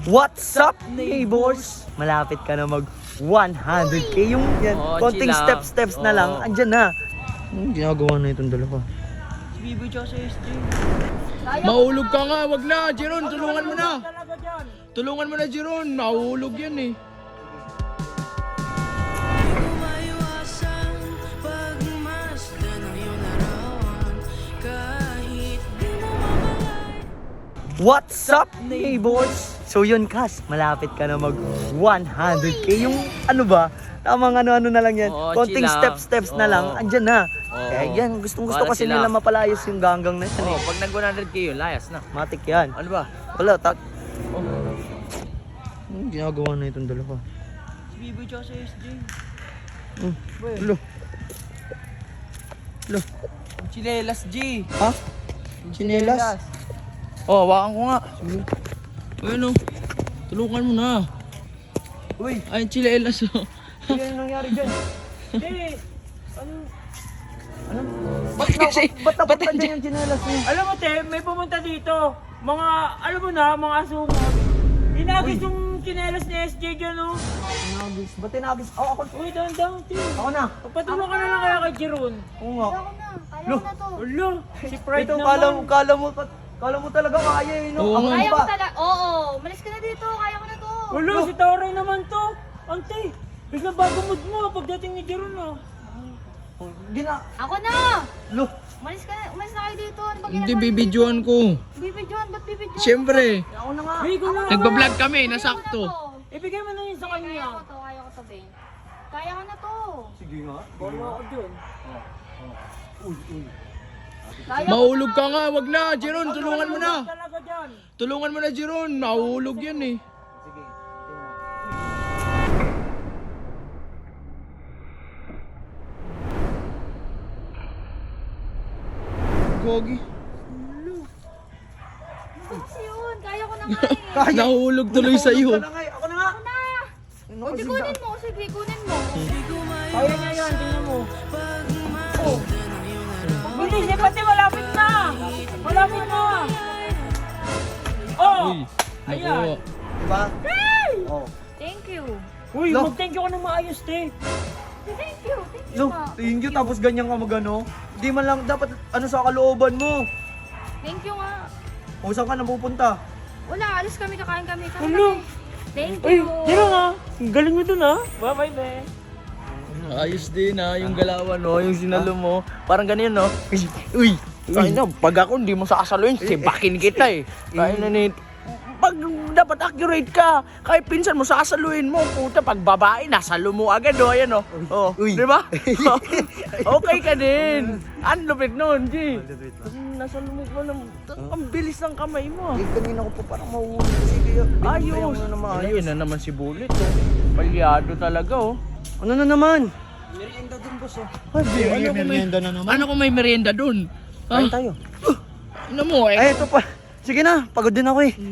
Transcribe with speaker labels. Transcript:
Speaker 1: What's up, neighbors? Malapit ka na mag 100k yung yan. Konting steps na lang, andyan na. Anong ginagawa na itong dalawa?
Speaker 2: Si Biboy tsaka si SJ.
Speaker 3: Mahulog ka nga, wag na, Jeron, tulungan mo na. Tulungan mo na, Jeron, mahulog yan eh.
Speaker 1: What's up, neighbors? So yun, Kas, malapit ka na mag 100k yung ano ba? Tamang ano-ano na lang yan. Konting steps na lang, andyan na. Kaya yan, gustong-gusto kasi nila mapalayas yung ganggang na yan eh.
Speaker 2: Pag nag 100k yun, layas na.
Speaker 1: Matik yan.
Speaker 2: Ano ba?
Speaker 1: Wala, Anong ginagawa na itong dalawa?
Speaker 2: Si Biboy tsaka si SJ.
Speaker 1: Lo.
Speaker 2: Chilelas G.
Speaker 1: Ha? Chinelas?
Speaker 3: Oh, hawakan ko nga. Ayun oh, tulungan mo na.
Speaker 1: Uy,
Speaker 3: Ay, chilelas oh.
Speaker 1: ano yung nangyari dyan?
Speaker 2: Eh,
Speaker 1: Ba't napunta dyan yung chinelas niya?
Speaker 4: Alam mo, te, may pumunta dito. Mga, alam mo na, mga asungot. Inagis yung chinelas ni SJ dyan, oh.
Speaker 1: Tinagis. Ba't tinagis? Oh, ako.
Speaker 4: Uy, dahan-dahan, te.
Speaker 1: Ako na.
Speaker 4: Pagpatulong ka na lang kaya kay Jeron.
Speaker 1: Oo nga.
Speaker 5: Kaya ko na to.
Speaker 4: Ulo, si Pride
Speaker 1: Ito,
Speaker 4: naman.
Speaker 1: kala mo talaga kaya eh, no?
Speaker 3: Oo
Speaker 1: Ako
Speaker 3: nga.
Speaker 5: Kaya ko
Speaker 1: pa.
Speaker 5: talaga. Oo, malis ka na dito. Kaya ko na to.
Speaker 4: Ulo, si Toray naman to. Ante, biglang bago mood mo pagdating ni Jeron, ah.
Speaker 5: Ako na.
Speaker 1: Lo.
Speaker 5: Umalis na kayo dito. Ano ba
Speaker 3: Hindi,
Speaker 5: ginagawa?
Speaker 3: bibidyoan ko.
Speaker 5: Bibidyoan, ba't bibidyoan?
Speaker 3: Siyempre,
Speaker 1: Ako na nga.
Speaker 4: Hey, ko na.
Speaker 3: nagbablog kami,
Speaker 5: Kaya ko na
Speaker 3: nasakto.
Speaker 5: to.
Speaker 4: Ibigay mo na yun sa
Speaker 5: Kaya
Speaker 4: kanya.
Speaker 5: ko to, kaya ko to, Ben. Kaya ko na to.
Speaker 1: Sige nga.
Speaker 4: Baro ako dyan.
Speaker 5: Kaya ko
Speaker 3: Mahulog
Speaker 5: na.
Speaker 3: ka nga, wag na, Jeron, tulungan mo na.
Speaker 4: Talaga dyan.
Speaker 3: Tulungan mo na, Jeron, mahulog yan eh. Gogi.
Speaker 5: Ano kasi yun? Kaya ko na nga eh.
Speaker 3: Nahulog tuloy sa iyo.
Speaker 1: Ako na nga. Ako na nga.
Speaker 5: Ako na. O, di kunin mo. Sige, kunin mo.
Speaker 4: Kaya niya yan, tingnan mo. Oh. Bilis, eh, pati malapit na. Malapit na. Oh!
Speaker 3: Uy,
Speaker 4: Ayan.
Speaker 3: naku.
Speaker 1: Diba? Oh.
Speaker 5: Thank you.
Speaker 4: Uy,
Speaker 1: Lo.
Speaker 4: mag-thank you ka ng maayos, te.
Speaker 5: Thank you. Thank you,
Speaker 1: Lo,
Speaker 5: ma.
Speaker 1: thank you. Tapos ganyan ka magano. Hindi man lang dapat ano sa kalooban mo.
Speaker 5: Thank you nga.
Speaker 1: O saan ka na pupunta?
Speaker 5: Wala, alis kami, kakain kami. Kami
Speaker 4: Ulo.
Speaker 5: kami. Thank
Speaker 4: Uy,
Speaker 5: you.
Speaker 4: tira nga. Galing mo dun, ha. Bye-bye, be.
Speaker 3: Ayos din ha, yung galawan no, yung sinalo mo. Parang ganyan no. Uy, kaya na, pag ako hindi mo sasaluin, sibakin kita eh. Kaya na nit. Pag dapat accurate ka, kahit pinsan mo sasaluin mo, puta, pag babae, nasalo mo agad o, ayan o. Oh,
Speaker 1: Uy.
Speaker 3: di ba? Okay ka din. Ang lupit nun, G. Nasalo mo pa ng, ang bilis ng kamay mo.
Speaker 1: Eh, kanina ko pa parang mahuhuli kasi kaya binigyan mo na naman ayos.
Speaker 3: Ayun na naman si Bullet oh. Palyado talaga oh.
Speaker 1: Ano na naman?
Speaker 3: Ay, ano kung may merienda dun?
Speaker 1: Kain tayo.
Speaker 3: Ano mo eh?
Speaker 1: Ay, ito pa. Sige na, pagod din ako eh.